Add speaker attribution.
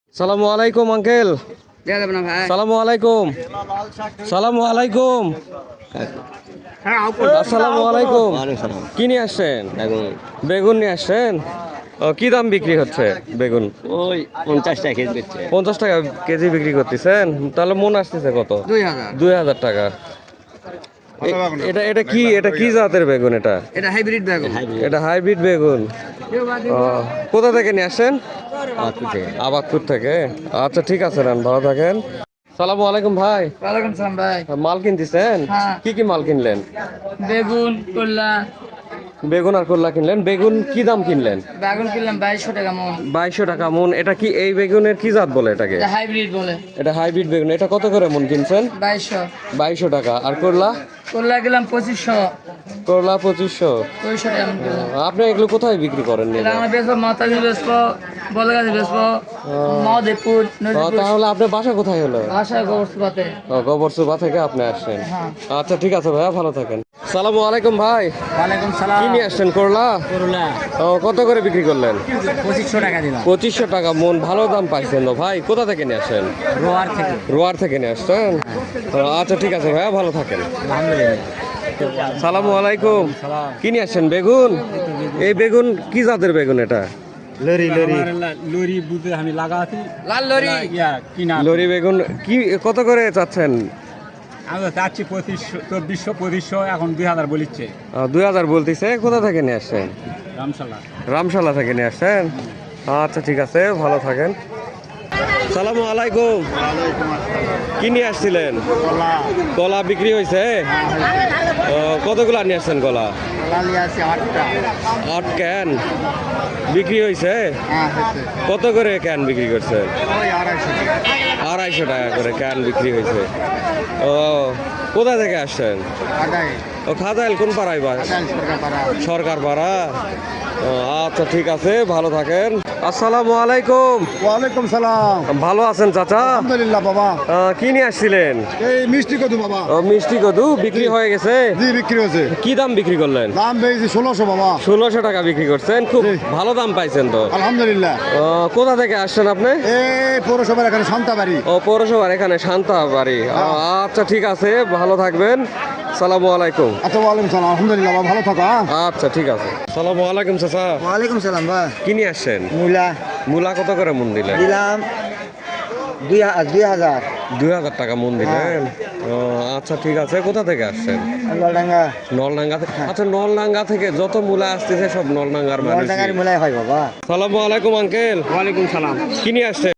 Speaker 1: সালামু আলাইকুম আঙ্কেল। সালামু আলাইকুম। সালামু আলাইকুম। আসসালামু আলাইকুম। কি নিয়ে আসছেন? বেগুন নিয়ে আসছেন। কি দাম বিক্রি হচ্ছে বেগুন?
Speaker 2: ওই 50 টাকা কেজি বেচছে।
Speaker 1: 50 টাকা কেজি বিক্রি করতেছেন। তাহলে মন আসতেছে কত? 2000 টাকা। এটা কি জাতের বেগুন?
Speaker 3: এটা হাইব্রিড বেগুন।
Speaker 1: এটা হাইব্রিড বেগুন। কোথা থেকে নিয়ে আসেন? আবাদপুর থেকে। আচ্ছা ঠিক আছে, রান ভালো থাকেন। সালামু আলাইকুম ভাই।
Speaker 3: ওয়ালাইকুম সালাম ভাই।
Speaker 1: মাল কিনতেছেন?
Speaker 3: হ্যাঁ।
Speaker 1: কি মাল কিনলেন?
Speaker 3: বেগুন করলা।
Speaker 1: বেগুন আর করলা কিনলেন। বেগুন কি দাম কিনলেন?
Speaker 3: বেগুন কিনলাম 2200 টাকা মন।
Speaker 1: 2200 টাকা মন। এটা কি এই বেগুনের কি জাত বলে এটাকে?
Speaker 3: এটা হাইব্রিড বলে।
Speaker 1: এটা হাইব্রিড বেগুন। এটা কত করে মন কিনছেন?
Speaker 3: 2200।
Speaker 1: 2200 টাকা। আর করলা?
Speaker 3: করলা গেলাম 2500।
Speaker 1: করলা 2500।
Speaker 3: 200 টাকা মন কিনলাম।
Speaker 1: আপনি এগুলো কোথায় বিক্রি করেন?
Speaker 3: এটা আমরা বেচবো মাতাজি বেচবো, বলগাছি বেচবো, মাওদেপুর, নদীপুর।
Speaker 1: তাহলে আপনার বাসা কোথায় হলো?
Speaker 3: আশা গোবরসুবাতে।
Speaker 1: গোবরসুবা থেকে আপনি আসছেন।
Speaker 3: হ্যাঁ।
Speaker 1: আচ্ছা ঠিক আছে ভাইয়া, ভালো থাকেন। সালামু আলাইকুম ভাই।
Speaker 3: ওয়ালাইকুম সালাম।
Speaker 1: কি নিয়ে আসছেন? করলা।
Speaker 3: করলা
Speaker 1: কত করে বিক্রি করলেন?
Speaker 3: 2500 টাকা দিলাম।
Speaker 1: 2500 টাকা মন। ভালো দাম পাইছেন তো ভাই। কোথা থেকে নিয়ে আসেন?
Speaker 3: রোয়ার থেকে।
Speaker 1: রোয়ার থেকে নিয়ে আসছেন। আচ্ছা ঠিক আছে ভাইয়া, ভালো থাকেন।
Speaker 3: আলহামদুলিল্লাহ।
Speaker 1: সালামু আলাইকুম। কি নিয়ে আসছেন? বেগুন। এই বেগুন কি জাতের বেগুন এটা?
Speaker 2: লরি বুঝে আমি লাগাছি
Speaker 3: লাল লরি।
Speaker 2: কিনা
Speaker 1: লরি বেগুন কি কত করে চাচ্ছেন?
Speaker 2: আমি তো চাচ্ছি 2500 এখন 2000 বলিচ্ছে
Speaker 1: 2000 বলতেছে। কোথা থেকে নিয়ে আসছেন?
Speaker 2: রামশালা।
Speaker 1: রামশালা থেকে নিয়ে আসছেন। আচ্ছা ঠিক আছে, ভালো থাকেন। সালামু আলাইকুম। কি নিয়ে আসছিলেন? কলা বিক্রি হয়েছে? কতগুলা নিয়ে আসছেন কলা? আট ক্যান বিক্রি হয়েছে। কত করে ক্যান বিক্রি করছেন? 250 টাকা করে ক্যান বিক্রি হয়েছে। ও কোথা থেকে আসছেন? ও খাদাইল। কোন পাড়ায়? সরকার পাড়া। আচ্ছা ঠিক আছে, ভালো থাকেন। আসসালামু আলাইকুম।
Speaker 4: ওয়ালাইকুম সালাম।
Speaker 1: ভালো আছেন চাচা?
Speaker 4: আলহামদুলিল্লাহ বাবা।
Speaker 1: কি নিয়ে আসছিলেন?
Speaker 4: এই মিষ্টি কত বাবা?
Speaker 1: মিষ্টি কদু বিক্রি হয়ে গেছে।
Speaker 4: জি বিক্রি হয়েছে।
Speaker 1: কি দাম বিক্রি করলেন?
Speaker 4: দাম পেয়েছি 1600 বাবা।
Speaker 1: 1600 টাকা বিক্রি করছেন। খুব
Speaker 4: জি।
Speaker 1: ভালো দাম পাইছেন তো।
Speaker 4: আলহামদুলিল্লাহ।
Speaker 1: কোথা থেকে আসছেন আপনি?
Speaker 4: এই পৌরসভার এখানে শান্তাবাড়ি।
Speaker 1: ও পৌরসভার এখানে শান্তা বাড়ি। আচ্ছা ঠিক আছে, ভালো থাকবেন। সালামু আলাইকুম।
Speaker 4: আচ্ছা ওয়ালাইকুম সালাম। আলহামদুলিল্লাহ বাবা, ভালো থাকো।
Speaker 1: আচ্ছা ঠিক আছে। সালামু আলাইকুম চাচা।
Speaker 4: ওয়ালাইকুম সালাম ভাই।
Speaker 1: কি নিয়ে আসছেন?
Speaker 4: মূলা
Speaker 1: মূলা কত করে মন দিলেন?
Speaker 4: দিলাম 2000।
Speaker 1: 2000 টাকা মন দিলেন। আচ্ছা ঠিক আছে। কোথা থেকে আসছেন?
Speaker 4: নলডাঙ্গা।
Speaker 1: নলডাঙ্গা থেকে। আচ্ছা নলডাঙ্গা থেকে যত মূলা আসতেছে সব নলডাঙ্গার মানুষ।
Speaker 4: নলডাঙ্গার মূলাই হয় বাবা।
Speaker 1: সালামু আলাইকুম আঙ্কেল।
Speaker 2: ওয়ালাইকুম সালাম।
Speaker 1: কি নিয়ে আসছেন?